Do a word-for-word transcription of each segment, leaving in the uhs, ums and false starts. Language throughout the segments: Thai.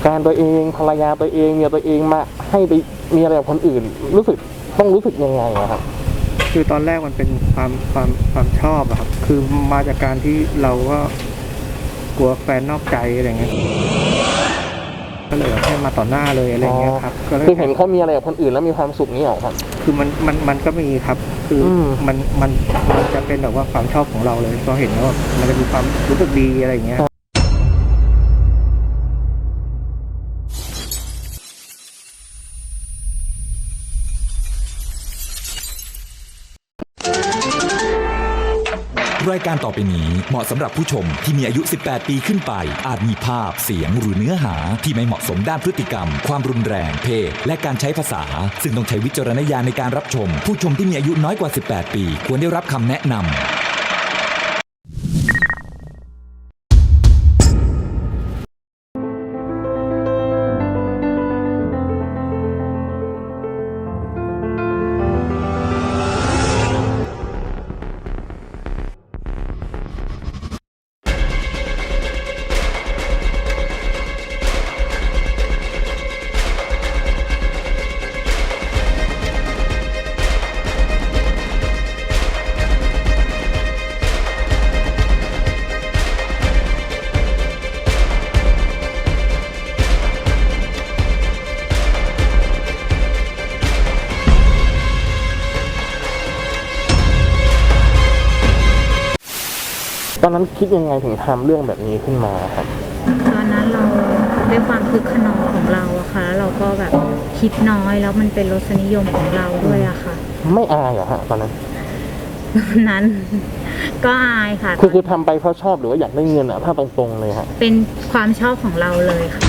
การตัวเองภรรยาตัวเองเมียตัวเองมาให้ไปมีอะไรกับคนอื่นรู้สึกต้องรู้สึกยังไงครับคือตอนแรกมันเป็นความความความชอบอะครับคือมาจากการที่เราก็กลัวแฟนนอกใจอะไรเงี้ยก็เลยให้มาต่อหน้าเลยอะไรเงี้ยครับคือเห็นเขามีอะไรกับคนอื่นแล้วมีความสุขนี้หรอครับคือมันมันมันก็มีครับคือมันมันมันจะเป็นแบบว่าความชอบของเราเลยพอเห็นแล้วมันจะมีความรู้สึกดีอะไรเงี้ยรายการต่อไปนี้เหมาะสำหรับผู้ชมที่มีอายุ สิบแปด ปีขึ้นไปอาจมีภาพเสียงหรือเนื้อหาที่ไม่เหมาะสมด้านพฤติกรรมความรุนแรงเพศและการใช้ภาษาซึ่งต้องใช้วิจารณญาณในการรับชมผู้ชมที่มีอายุน้อยกว่า สิบแปด ปีควรได้รับคำแนะนำตอนนั้นคิดยังไงถึงทำเรื่องแบบนี้ขึ้นมาครับตอนนั้นเราด้วยความคึกขนองของเราอะค่ะแล้วเราก็แบบคิดน้อยแล้วมันเป็นรสนิยมของเราด้วยอะค่ะไม่อายเหรอฮะตอนนั้นตอนนั้นก็อายค่ะคือคือทำไปเพราะชอบหรือว่าอยากได้เงินอะถ้าตรงๆเลยฮะเป็นความชอบของเราเลยค่ะ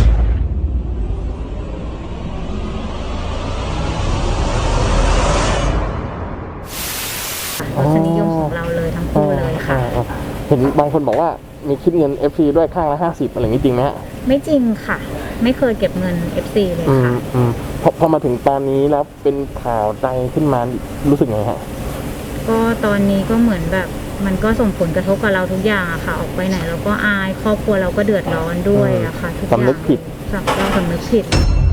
รสนิยมของเราเลยทั้งคู่เลยค่ะเห็นบางคนบอกว่ามีคิดเงิน เอฟ ซี ด้วยข้างละห้าสิบอะไรอย่างนี้จริงไหมฮะไม่จริงค่ะไม่เคยเก็บเงิน เอฟ ซี เลยค่ะพอพอมาถึงตอนนี้แล้วเป็นข่าวดังขึ้นมารู้สึกไงฮะก็ตอนนี้ก็เหมือนแบบมันก็ส่งผลกระทบกับเราทุกอย่างอะค่ะออกไปไหนเราก็อายครอบครัวเราก็เดือดร้อนด้วยอะค่ะทุกอย่างสำนึกผิดเราสำนึกผิด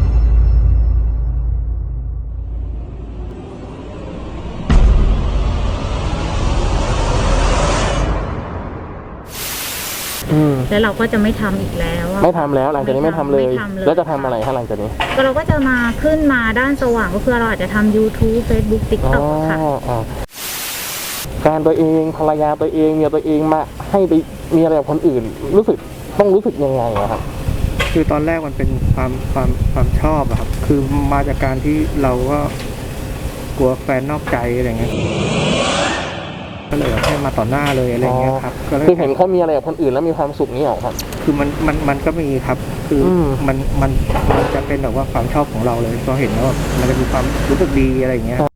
แล้วเราก็จะไม่ทำอีกแล้วไม่ทำแล้วหลังจากนี้ไม่ทำเลยแล้วจะทำอะไรคะหลังจากนี้ก็เราก็จะมาขึ้นมาด้านสว่างก็คือเราอาจจะทำ YouTube Facebook TikTok ค่ะการตัวเองภรรยาตัวเองเมียตัวเองมาให้ไปมีอะไรกับคนอื่นรู้สึกต้องรู้สึกยังไงครับคือตอนแรกมันเป็นความความความชอบอะครับคือมาจากการที่เราก็กลัวแฟนนอกใจอะไรเงี้ยก็เลยให้มาต่อหน้าเลยอะไรเงี้ยครับคือเห็นเขามีอะไรกับคนอื่นแล้วมีความสุขนี้หรอครับคือมันมันมันก็มีครับคือมันมันมันจะเป็นแบบว่าความชอบของเราเลยพอเห็นแล้วมันจะมีความรู้สึกดีอะไรเงี้ย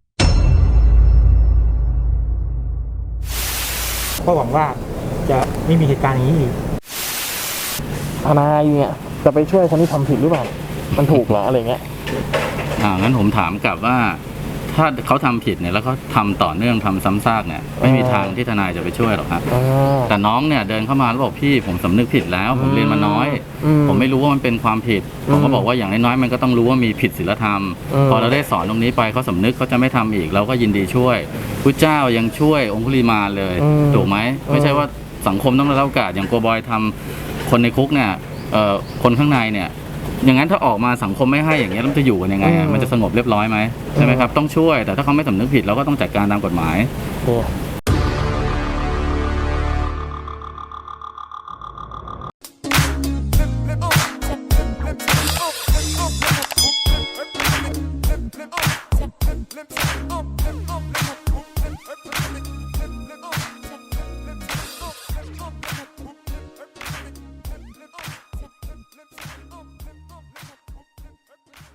ก็หวังว่าจะไม่มีเหตุการณ์อย่างนี้อีกทนายเนี่ยจะไปช่วยคนที่ทำผิดหรือเปล่ามันถูกเหรออะไรเงี้ยอ่างั้นผมถามกลับว่าถ้าเขาทำผิดเนี่ยแล้วเขาทำต่อเนื่องทำซ้ำซากเนี่ยไม่มีทางที่ทนายจะไปช่วยหรอกครับแต่น้องเนี่ยเดินเข้ามาแล้วบอกพี่ผมสำนึกผิดแล้วผมเรียนมาน้อยผมไม่รู้ว่ามันเป็นความผิดผมก็บอกว่าอย่างน้อยๆมันก็ต้องรู้ว่ามีผิดศีลธรรมพอเราได้สอนตรงนี้ไปเขาสำนึกเขาจะไม่ทำอีกเราก็ยินดีช่วยพุทธเจ้ายังช่วยองคุลิมาเลยถูกไหมไม่ใช่ว่าสังคมต้องได้รับโอกาสอย่างโกบอยทำคนในคุกเนี่ยคนข้างในเนี่ยอย่างนั้นถ้าออกมาสังคมไม่ให้อย่างเงี้ยแล้วจะอยู่กันยังไงมันจะสงบเรียบร้อยไหมใช่ไหมครับต้องช่วยแต่ถ้าเขาไม่สำนึกผิดเราก็ต้องจัดการตามกฎหมาย